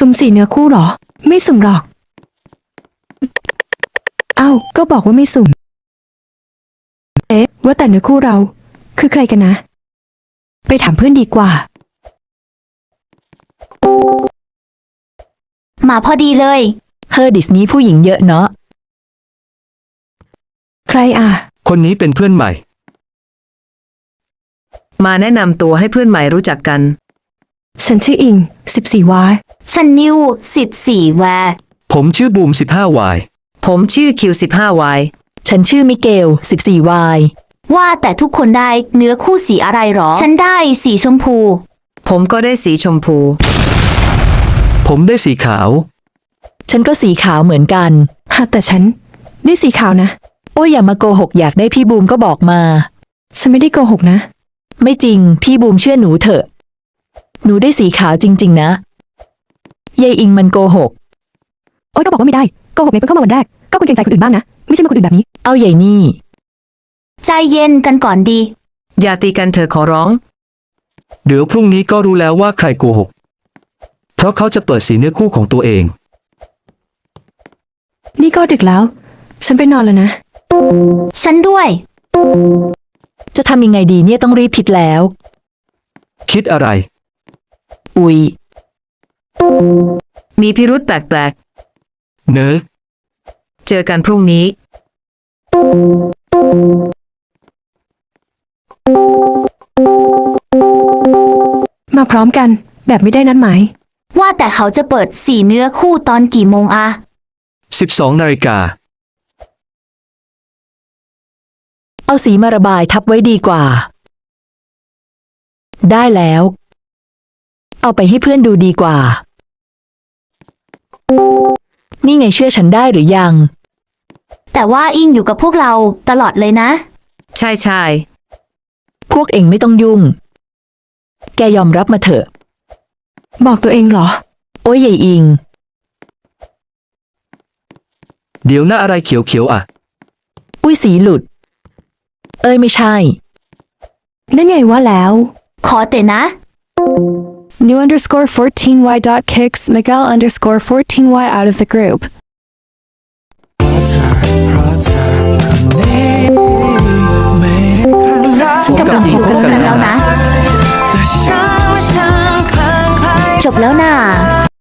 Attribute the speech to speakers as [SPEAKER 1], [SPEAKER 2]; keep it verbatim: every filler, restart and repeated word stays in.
[SPEAKER 1] สุ่มสี่เนื้อคู่หรอไม่สุ่มหรอกเอ้าก็บอกว่าไม่สุ่มเอ๊ะว่าแต่เนื้อคู่เราคือใครกันนะไปถามเพื่อนดีกว่า
[SPEAKER 2] มาพอดีเลย
[SPEAKER 3] เฮอดิสนี้ผู้หญิงเยอะเนาะ
[SPEAKER 1] ใครอ่ะ
[SPEAKER 4] คนนี้เป็นเพื่อนใหม่
[SPEAKER 5] มาแนะนำตัวให้เพื่อนใหม่รู้จักกัน
[SPEAKER 1] ฉันชื่ออิงสิบสี่วาย
[SPEAKER 2] ฉันนิวสิบสี่แวร์
[SPEAKER 4] ผมชื่อบูมสิบห้าวาย
[SPEAKER 5] ผมชื่อคิวสิบห้าวาย
[SPEAKER 3] ฉันชื่อมิเกลสิบสี่วาย
[SPEAKER 2] ว่าแต่ทุกคนได้เนื้อคู่สีอะไรหรอฉันได้สีชมพู
[SPEAKER 5] ผมก็ได้สีชมพู
[SPEAKER 4] ผมได้สีขาว
[SPEAKER 3] ฉันก็สีขาวเหมือนกัน
[SPEAKER 1] ฮะแต่ฉันได้สีขาวนะ
[SPEAKER 3] โอ้ยอย่ามาโกหกอยากได้พี่บูมก็บอกมา
[SPEAKER 1] ฉันไม่ได้โกหกนะ
[SPEAKER 3] ไม่จริงพี่บูมเชื่อหนูเถอะหนูได้สีขาวจริงๆนะยายอิงมันโกหก
[SPEAKER 1] โอ้ยก็บอกว่าไม่ได้โกหกไงเพิ่งเข้ามาวันแรกก็ควรเกรงใจคนอื่นบ้างนะไม่ใช่มาคนอื่นแบบนี้
[SPEAKER 3] เอาใหญ่นี่
[SPEAKER 2] ใจเย็นกันก่อนดี
[SPEAKER 5] อย่าตีกันเถอะขอร้อง
[SPEAKER 4] เดี๋ยวพรุ่งนี้ก็รู้แล้วว่าใครโกหกเพราะเขาจะเปิดสีเนื้อคู่ของตัวเอง
[SPEAKER 1] นี่ก็ดึกแล้วฉันไปนอนแล้วนะ
[SPEAKER 2] ฉันด้วย
[SPEAKER 3] จะทำยังไงดีเนี่ยต้องรีบผิดแล้ว
[SPEAKER 4] คิดอะไร
[SPEAKER 3] อุ๊ย
[SPEAKER 5] มีพิรุธแปลก
[SPEAKER 4] ๆเนอะ
[SPEAKER 5] เจอกันพรุ่งนี้
[SPEAKER 1] มาพร้อมกันแบบไม่ได้นัดหมาย
[SPEAKER 2] ว่าแต่เขาจะเปิดสีเนื้อคู่ตอนกี่โมงอะ
[SPEAKER 4] สิบสองนาฬิกา
[SPEAKER 3] เอาสีมาระบายทับไว้ดีกว่าได้แล้วเอาไปให้เพื่อนดูดีกว่านี่ไงเชื่อฉันได้หรือยัง
[SPEAKER 2] แต่ว่าอิงอยู่กับพวกเราตลอดเลยนะ
[SPEAKER 5] ใช่ใช่
[SPEAKER 3] พวกเองไม่ต้องยุ่งแกยอมรับมาเถอะ
[SPEAKER 1] บอกตัวเองเหรอ
[SPEAKER 3] โอ้ยใหญ่อิง
[SPEAKER 4] เดี๋ยวหน้าอะไรเขียวๆอ่ะ
[SPEAKER 3] อุ้ยสีหลุดเอ้ยไม่ใช่
[SPEAKER 1] นั่นไงว่าแล้ว
[SPEAKER 2] ขอเตะนะ
[SPEAKER 6] New underscore fourteen y dot kicks Miguel underscore fourteen y out of the group
[SPEAKER 2] ฉันกับน้องคบกันแล้วนะ